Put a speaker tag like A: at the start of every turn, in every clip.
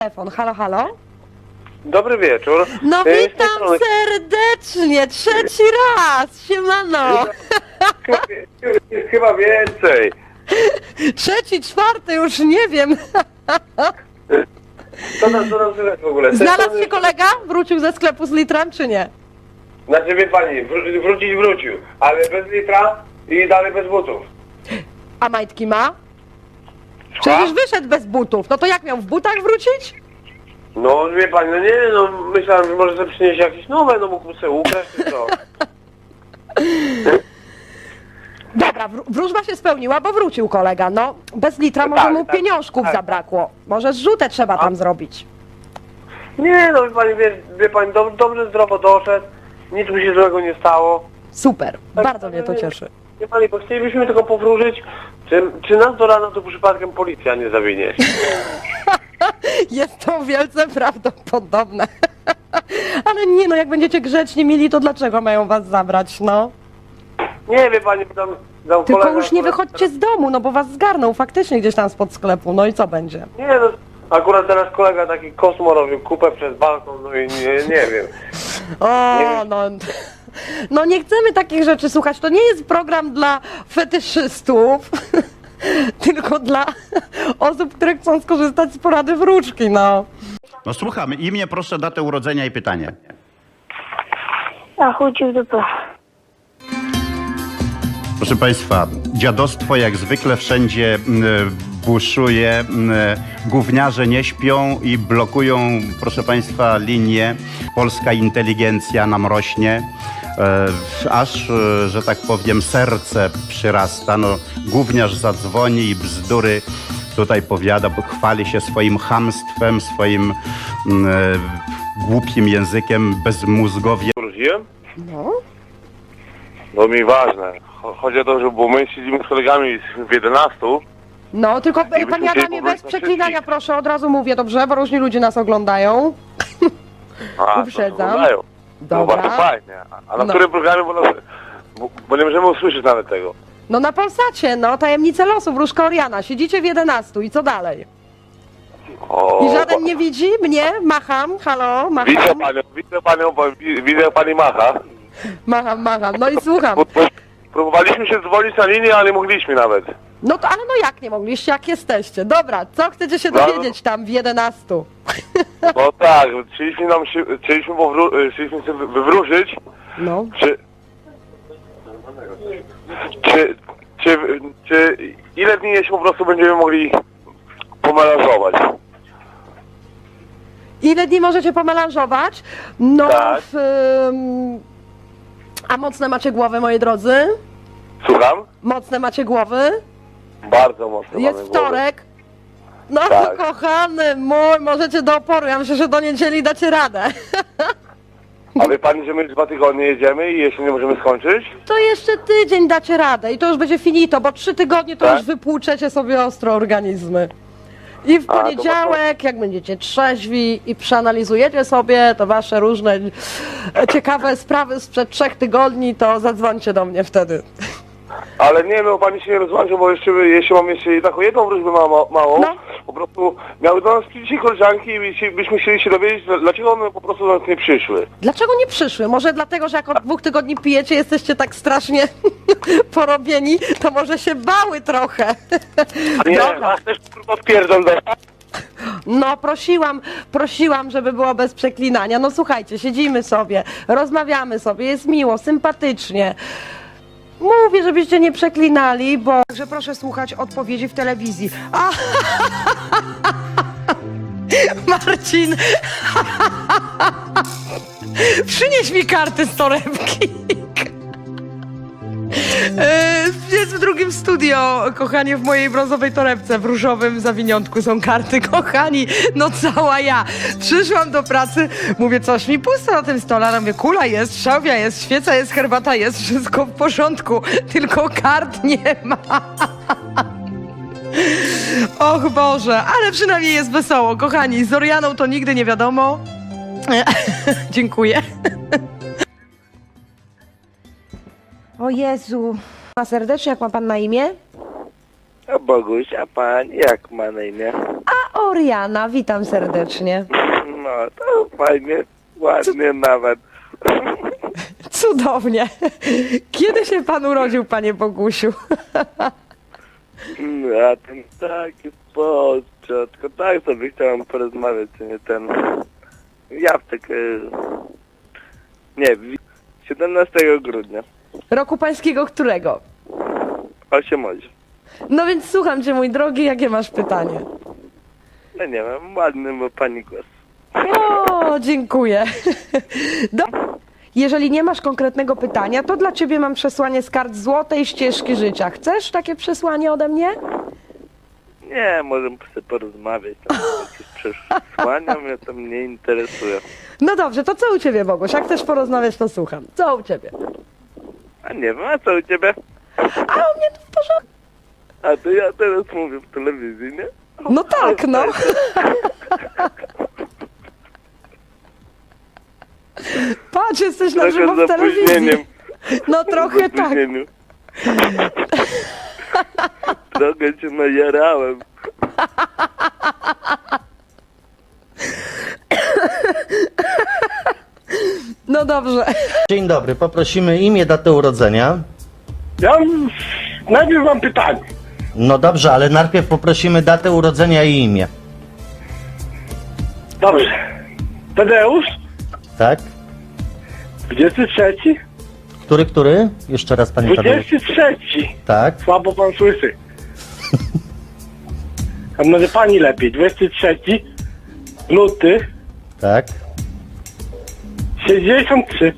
A: Telefon, halo, halo?
B: Dobry wieczór.
A: No
B: Z tej
A: witam
B: strony-
A: serdecznie, trzeci raz, siemano.
B: Chyba więcej.
A: Trzeci, czwarty, już nie wiem.
B: Co nam słychać w ogóle? Z tej
A: Znalazł
B: strony-
A: się kolega? Wrócił ze sklepu z litrem, czy nie?
B: Znaczy wie pani, wrócił, ale bez litra i dalej bez butów.
A: A majtki ma? Przecież wyszedł bez butów, no to jak miał w butach wrócić?
B: No wie pani, no nie, no myślałem, że może sobie przynieść jakieś nowe, no mógł sobie ukraść czy co.
A: Dobra, wróżba się spełniła, bo wrócił kolega, no. Bez litra może
B: Tak,
A: mu
B: tak,
A: pieniążków
B: tak.
A: zabrakło. Może zrzutę trzeba tam zrobić.
B: Nie, no wie pani, dobrze zdrowo doszedł, nic mu się złego nie stało.
A: Super,
B: Tak,
A: bardzo mnie to cieszy.
B: Wie pani, bo chcielibyśmy tylko powróżyć, czy nas do rana to przypadkiem policja nie zawinie.
A: Jest to wielce prawdopodobne. Ale nie no, jak będziecie grzeczni mili, to dlaczego mają was zabrać, no?
B: Nie, wie pani, bo tam
A: Tylko
B: kolega,
A: już nie wychodźcie z domu, no bo was zgarną faktycznie gdzieś tam spod sklepu, no i co będzie?
B: Nie, no akurat teraz kolega taki kosmo robił kupę przez balkon, no i nie wiem.
A: O,
B: Nie.
A: no... No nie chcemy takich rzeczy słuchać, to nie jest program dla fetyszystów, tylko dla osób, które chcą skorzystać z porady wróżki, no.
C: No słuchamy. Imię, proszę, datę urodzenia i pytanie.
D: A chuj w dupę.
C: Proszę Państwa, dziadostwo jak zwykle wszędzie buszuje, gówniarze nie śpią i blokują, proszę Państwa, linię. Polska inteligencja nam rośnie, aż, że tak powiem, serce przyrasta. No, gówniarz zadzwoni i bzdury tutaj powiada, bo chwali się swoim chamstwem, swoim głupim językiem, bezmózgowie.
B: Wróciłem?
A: No.
B: No mi ważne. Chodzi o to, że bo my siedzimy z kolegami w 11.
A: No, tylko
B: byśmy
A: panie
B: chcieli
A: Adamie, bez
B: powrócić na
A: przeklinania,
B: wszystkich.
A: proszę, od razu mówię, dobrze, bo różni ludzie nas oglądają.
B: A,
A: Uprzedzam.
B: to oglądają. No
A: Dobra.
B: bardzo fajnie. A na
A: No.
B: którym programie, bo nie możemy usłyszeć nawet tego.
A: No na Polsacie, no, tajemnice losu, wróżka Oriana, siedzicie w 11 i co dalej?
B: O,
A: I żaden nie widzi mnie? Macham, halo, macham,
B: widzę panią, bo widzę jak pani macha.
A: macham, no i słucham.
B: Bo próbowaliśmy się dzwonić na linię, ale nie mogliśmy nawet.
A: No to, ale no jak nie mogliście, jak jesteście? Dobra, co chcecie się
B: No.
A: dowiedzieć tam w 11?
B: No tak, chcieliśmy sobie wywróżyć,
A: No.
B: czy ile dni jeszcze po prostu będziemy mogli pomelanżować?
A: Ile dni możecie pomelanżować? No,
B: Tak.
A: a mocne macie głowy, moi drodzy?
B: Słucham?
A: Mocne macie głowy?
B: Bardzo mocno
A: Jest
B: mamy głowę.
A: wtorek. No
B: Tak.
A: kochany mój, możecie do oporu, ja myślę, że do niedzieli dacie radę.
B: A wie pani, że my 2 tygodnie jedziemy i jeszcze nie możemy skończyć?
A: To jeszcze tydzień dacie radę i to już będzie finito, bo 3 tygodnie to
B: Tak?
A: już wypłuczecie sobie ostro organizmy. I w
B: A, to
A: poniedziałek, jak będziecie trzeźwi i przeanalizujecie sobie to wasze różne ciekawe sprawy sprzed 3 tygodni, to zadzwońcie do mnie wtedy.
B: Ale nie, no pani się nie rozłączy, bo jeszcze mam jeszcze taką jedną wróżbę małą.
A: No.
B: Po prostu miały do nas dzisiaj koleżanki i byśmy chcieli się dowiedzieć, dlaczego one po prostu do nas nie przyszły.
A: Dlaczego nie przyszły? Może dlatego, że jak od 2 tygodni pijecie, jesteście tak strasznie porobieni, to może się bały trochę.
B: Nie,
A: Dobra.
B: nas też kurwa odpierdol do...
A: No prosiłam, żeby było bez przeklinania. No słuchajcie, siedzimy sobie, rozmawiamy sobie, jest miło, sympatycznie. Mówię, żebyście nie przeklinali, bo... Także proszę słuchać odpowiedzi w telewizji. A! Marcin! Przynieś mi karty z torebki. Jest w drugim studio, kochanie, w mojej brązowej torebce, w różowym zawiniątku są karty, kochani, no cała ja. Przyszłam do pracy, mówię, coś mi pusto na tym stole, a mówię, kula jest, szałwia jest, świeca jest, herbata jest, wszystko w porządku, tylko kart nie ma. Och Boże, ale przynajmniej jest wesoło, kochani, z Orianą to nigdy nie wiadomo. Dziękuję. O Jezu. A serdecznie, jak ma pan na imię?
E: A Boguś, a pan jak ma na imię?
A: A Oriana, witam serdecznie.
E: No, to fajnie, ładnie nawet.
A: Cudownie. Kiedy się pan urodził, panie Bogusiu?
E: A ten taki początku, tak sobie chciałem porozmawiać, czy nie ten... Jawtek, nie, 17 grudnia,
A: Roku pańskiego którego?
E: 8 godzin.
A: No więc słucham cię, mój drogi, jakie masz pytanie?
E: No nie wiem, ładny był pani głos.
A: O, dziękuję. Jeżeli nie masz konkretnego pytania, to dla ciebie mam przesłanie z kart Złotej Ścieżki Życia. Chcesz takie przesłanie ode mnie?
E: Nie, możemy sobie porozmawiać, tam jakieś przesłania mnie to mnie interesuje.
A: No dobrze, to co u ciebie, Boguś? Jak chcesz porozmawiać, to słucham. Co u ciebie?
E: A nie wiem, a co u ciebie?
A: A u mnie to w porządku.
E: A to ja teraz mówię w telewizji, nie?
A: No tak, no. Patrz, jesteś na żywo
E: Trochę
A: w
E: z opóźnieniem.
A: telewizji. No trochę
E: W
A: tak.
E: opóźnieniu. Trochę cię najarałem.
A: No dobrze.
F: Dzień dobry, poprosimy imię, datę urodzenia.
B: Ja najpierw mam pytanie.
F: No dobrze, ale najpierw poprosimy datę urodzenia i imię.
B: Dobrze. Tadeusz,
F: Tak?
B: 23?
F: Który? Jeszcze raz panie Tadeusz.
B: 23.
F: Tak?
B: Słabo pan słyszy. A może pani lepiej. 23 luty
F: Tak?
B: 63.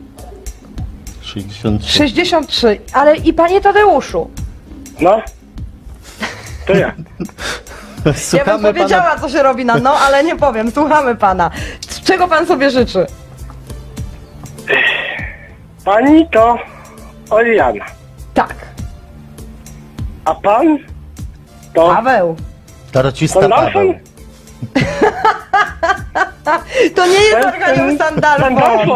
F: 63.
A: 63, ale i panie Tadeuszu.
B: No. To ja.
A: Ja
F: Słuchamy
A: bym powiedziała, co się robi na no, ale nie powiem. Słuchamy pana. Czego pan sobie życzy?
B: Pani to Oriana.
A: Tak.
B: A pan to
A: Paweł.
F: Tarocista
B: Sandalfon?
F: Paweł.
A: To nie jest Arkanioł Sandalfon.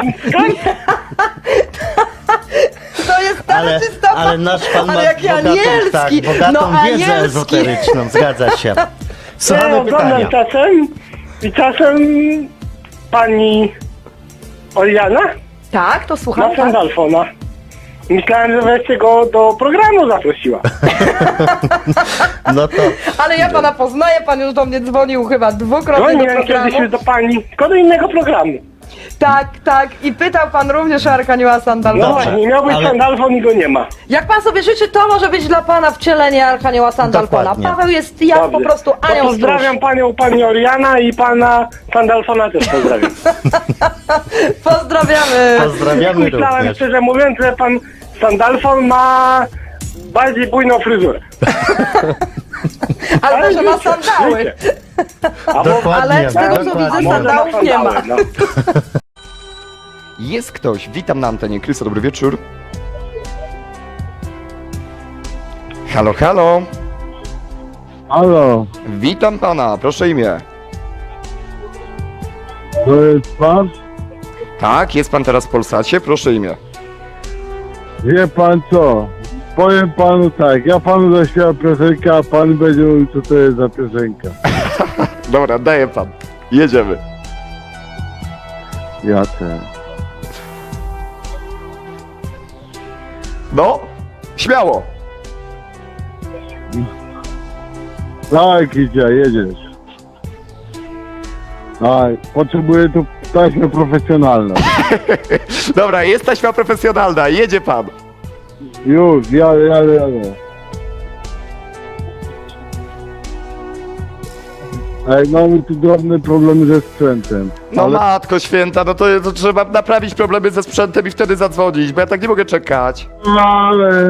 A: To jest staroczysta
F: Ale nasz pan ma
A: Ale jaki
F: bogatą,
A: anielski.
F: tak, bogatą
A: No,
F: wiedzę
A: anielski.
F: ezoteryczną, zgadza się.
B: ja
F: Słuchamy
B: oglądam
F: pytania.
B: czasem i czasem pani Oriana
A: Tak, to słucham.
B: ma
A: Tak?
B: Sandalfona. Myślałem, że wreszcie go do programu zaprosiła.
F: No to
A: Ale ja pana poznaję, pan już do mnie dzwonił chyba dwukrotnie do
B: Dzwoniłem
A: programu.
B: kiedyś już do pani, tylko do innego programu.
A: Tak. I pytał pan również o Arkanioła
B: No
A: Sandalfona.
B: właśnie, miał być
F: ale-
B: Sandalfon i go nie ma.
A: Jak pan sobie życzy, to może być dla pana wcielenie Arkanioła Sandalfona.
F: Dokładnie.
A: Paweł jest jak po
B: Dobrze.
A: prostu
B: To
A: anioł
B: pozdrawiam panią, pani Oriana i pana Sandalfona też pozdrawiam.
A: stróż. Pozdrawiamy.
F: pozdrawiamy
B: Myślałem,
F: również.
B: szczerze mówiąc, że pan Sandalfon ma bardziej bujną fryzurę.
A: Ale może ma sandały.
B: Wiecie. A
F: Dokładnie.
A: Ale z tego co
F: dokładnie.
A: widzę,
B: może
A: sandałów
B: ma
A: nie ma.
B: sandały, no.
G: Jest ktoś. Witam na antenie. Krysto, dobry wieczór. Halo, halo.
H: Halo,
G: Witam pana. Proszę imię.
H: to jest pan?
G: Tak, jest pan teraz w Polsacie. Proszę imię.
H: Wie pan co? Powiem panu tak, ja panu zaśpiewam piosenkę, a pan będzie mówił, co to jest za piosenka.
G: Dobra, daję pan. Jedziemy.
H: Ja też.
G: No, śmiało.
H: Tak, idzie, jedziesz. Tak, potrzebuję tu taśmę profesjonalną.
G: Dobra, jest taśma profesjonalna. Jedzie pan.
H: Już, jadę. Ej, mamy tu drobne problemy ze sprzętem.
G: No
H: ale
G: matko święta, no to trzeba naprawić problemy ze sprzętem i wtedy zadzwonić, bo ja tak nie mogę czekać.
H: ale...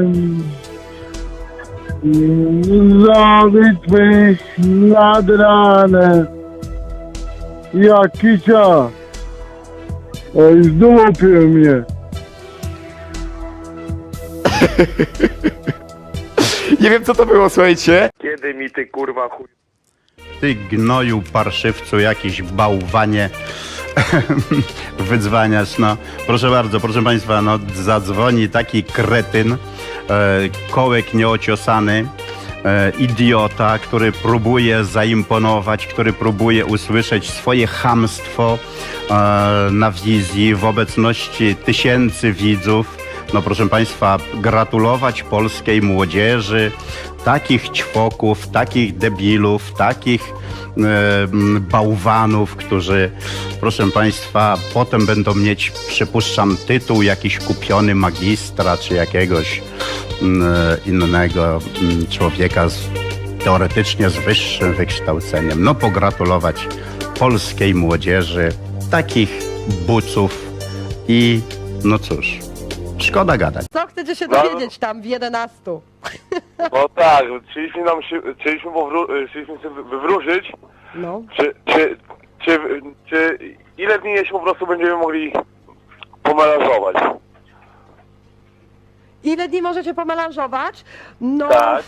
H: Zabitłeś nad ranem. Jak kicia. Ej, zdupił mnie.
G: Nie wiem co to było, słuchajcie.
E: Kiedy mi ty kurwa chuj...
C: Ty gnoju, parszywcu, jakiś bałwanie wydzwaniasz, no. Proszę bardzo, proszę państwa, no zadzwoni taki kretyn, kołek nieociosany, idiota, który próbuje zaimponować, który próbuje usłyszeć swoje chamstwo na wizji w obecności tysięcy widzów. No proszę Państwa, gratulować polskiej młodzieży takich ćwoków, takich debilów, takich bałwanów, którzy, proszę Państwa, potem będą mieć, przypuszczam, tytuł jakiś kupiony magistra czy jakiegoś innego człowieka teoretycznie z wyższym wykształceniem. No pogratulować polskiej młodzieży takich buców i no cóż, szkoda gadać.
A: Co chcecie się dowiedzieć tam w 11?
B: No tak, chcieliśmy sobie wywróżyć,
A: No.
B: czy ile dni jeszcze po prostu będziemy mogli pomelanżować?
A: Ile dni możecie pomelanżować? No,
B: Tak.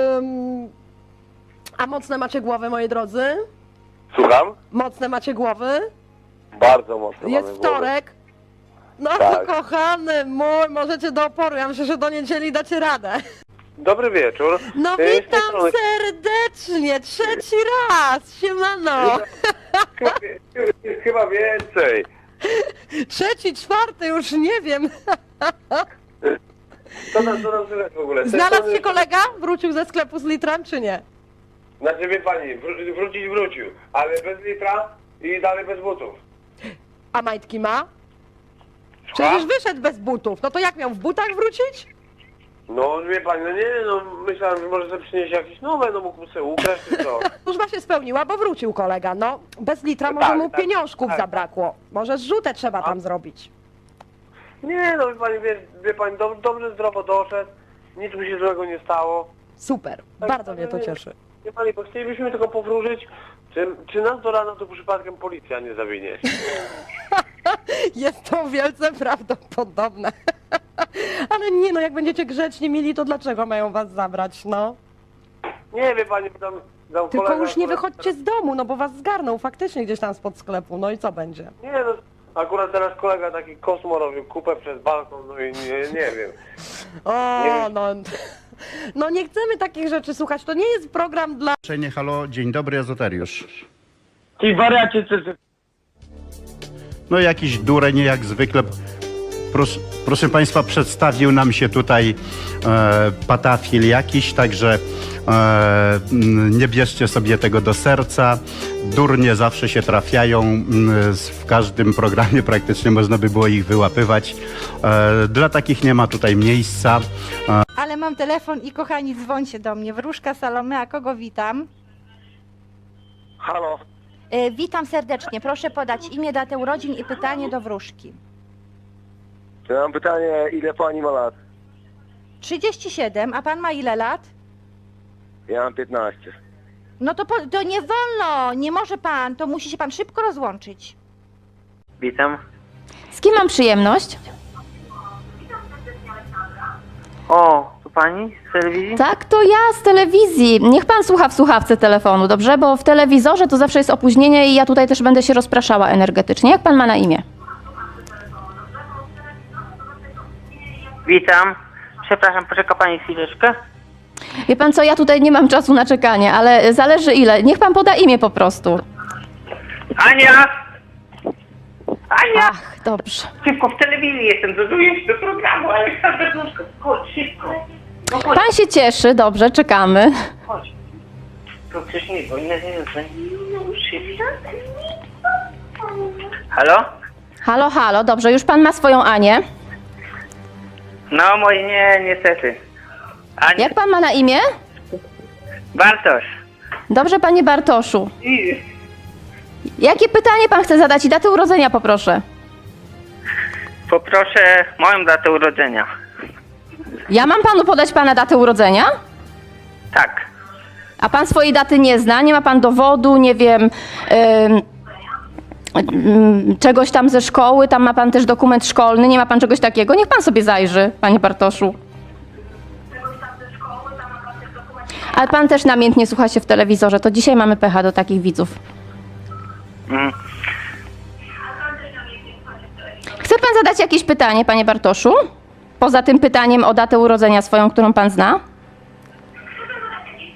A: a mocne macie głowy, moi drodzy?
B: Słucham?
A: Mocne macie głowy?
B: Bardzo mocno
A: Jest
B: mamy głowę.
A: wtorek. No
B: Tak.
A: kochany mój, możecie do oporu. Ja myślę, że do niedzieli dacie radę.
B: Dobry wieczór.
A: No
B: Z tej
A: witam
B: strony-
A: serdecznie, trzeci raz, siemano.
B: Chyba więcej.
A: Trzeci, czwarty, już nie wiem.
B: Co nam słychać w ogóle? Z tej
A: Znalazł
B: strony-
A: się kolega? Wrócił ze sklepu z litrem, czy nie?
B: Znaczy wie pani, wrócił, ale bez litra i dalej bez butów.
A: A majtki ma?
B: Słucham?
A: Przecież wyszedł bez butów. No to jak miał w butach wrócić?
B: No wie pani, no nie, no myślałem, że może sobie przynieść jakieś nowe, no mógł sobie ukraść czy co.
A: Służba się spełniła, bo wrócił kolega. No, bez litra
B: No
A: może
B: tak,
A: mu
B: tak,
A: pieniążków
B: tak.
A: zabrakło. Może zrzutę trzeba tam zrobić.
B: Nie, no wie pani, dobrze zdrowo doszedł, nic mu się złego nie stało.
A: Super,
B: Tak,
A: bardzo mnie to
B: nie.
A: cieszy.
B: Wie pani, bo chcielibyśmy tylko powróżyć, czy nas do rana to przypadkiem policja nie zawinie.
A: Jest to wielce prawdopodobne. Ale nie no, jak będziecie grzeczni mili, to dlaczego mają was zabrać, no?
B: Nie, wie pani, tam
A: Tylko
B: kolega
A: już nie
B: akurat
A: wychodźcie z domu, no bo was zgarną faktycznie gdzieś tam spod sklepu, no i co będzie?
B: Nie, no akurat teraz kolega taki kosmo robił kupę przez balkon, no i nie wiem.
A: O,
B: Nie.
A: no... No nie chcemy takich rzeczy słuchać, to nie jest program dla...
C: Halo, dzień dobry, Ezoteriusz.
B: Ty wariacie,
C: No jakiś dureń jak zwykle. Proszę Państwa, przedstawił nam się tutaj patafil jakiś, także nie bierzcie sobie tego do serca. Durnie zawsze się trafiają, w każdym programie praktycznie można by było ich wyłapywać. Dla takich nie ma tutaj miejsca.
I: Ale mam telefon i kochani, dzwońcie do mnie. Wróżka Salomea, kogo witam?
B: Halo,
I: Witam serdecznie. Proszę podać imię, datę urodzin i pytanie do wróżki.
B: ja mam pytanie, ile pani ma lat?
I: 37, a pan ma ile lat?
B: Ja mam 15.
I: No to nie wolno, nie może pan, to musi się pan szybko rozłączyć.
B: Witam.
J: Z kim mam przyjemność?
B: O, to pani z telewizji?
J: Tak, to ja z telewizji. Niech pan słucha w słuchawce telefonu, dobrze? Bo w telewizorze to zawsze jest opóźnienie i ja tutaj też będę się rozpraszała energetycznie. Jak pan ma na imię?
K: Witam. Przepraszam, poczeka pani chwileczkę.
J: Wie pan co, ja tutaj nie mam czasu na czekanie, ale zależy ile. Niech pan poda imię po prostu.
K: Ania! Ania!
J: Ach, dobrze.
K: Szybko, w telewizji jestem, dozuję się do programu, ale chodź szybko. No chodź,
J: Pan się cieszy, dobrze, czekamy.
K: chodź. To coś nie, bo nie. Szybko. Halo?
J: Halo, halo, dobrze, już pan ma swoją Anię.
K: No, moje nie, niestety. Ania,
J: Jak pan ma na imię?
K: Bartosz.
J: Dobrze, panie Bartoszu. Jakie pytanie pan chce zadać i datę urodzenia poproszę?
K: Poproszę moją datę urodzenia.
J: Ja mam panu podać pana datę urodzenia?
K: Tak.
J: A pan swojej daty nie zna? Nie ma pan dowodu, nie wiem, czegoś tam ze szkoły? Tam ma pan też dokument szkolny, nie ma pan czegoś takiego? Niech pan sobie zajrzy, panie Bartoszu. Ale pan też namiętnie słucha się w telewizorze, to dzisiaj mamy pecha do takich widzów.
K: Mm.
J: Chce pan zadać jakieś pytanie, panie Bartoszu? Poza tym pytaniem o datę urodzenia swoją, którą pan zna?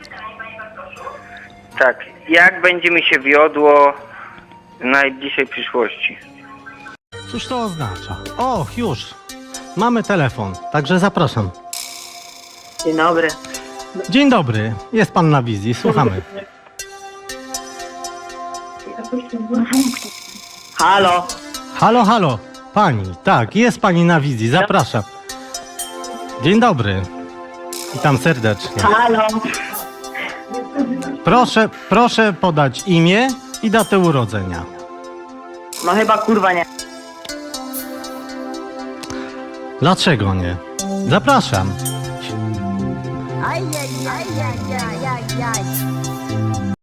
K: Tak, jak będzie mi się wiodło w najbliższej przyszłości?
F: Cóż to oznacza? O, już. Mamy telefon, także zapraszam.
K: Dzień dobry.
F: Dzień dobry, jest pan na wizji, słuchamy.
K: Halo?
F: Halo, halo, pani, tak, jest pani na wizji, zapraszam. Dzień dobry, witam serdecznie.
K: Halo?
F: Proszę podać imię i datę urodzenia.
K: No chyba kurwa nie.
F: Dlaczego nie? Zapraszam.
I: Aj.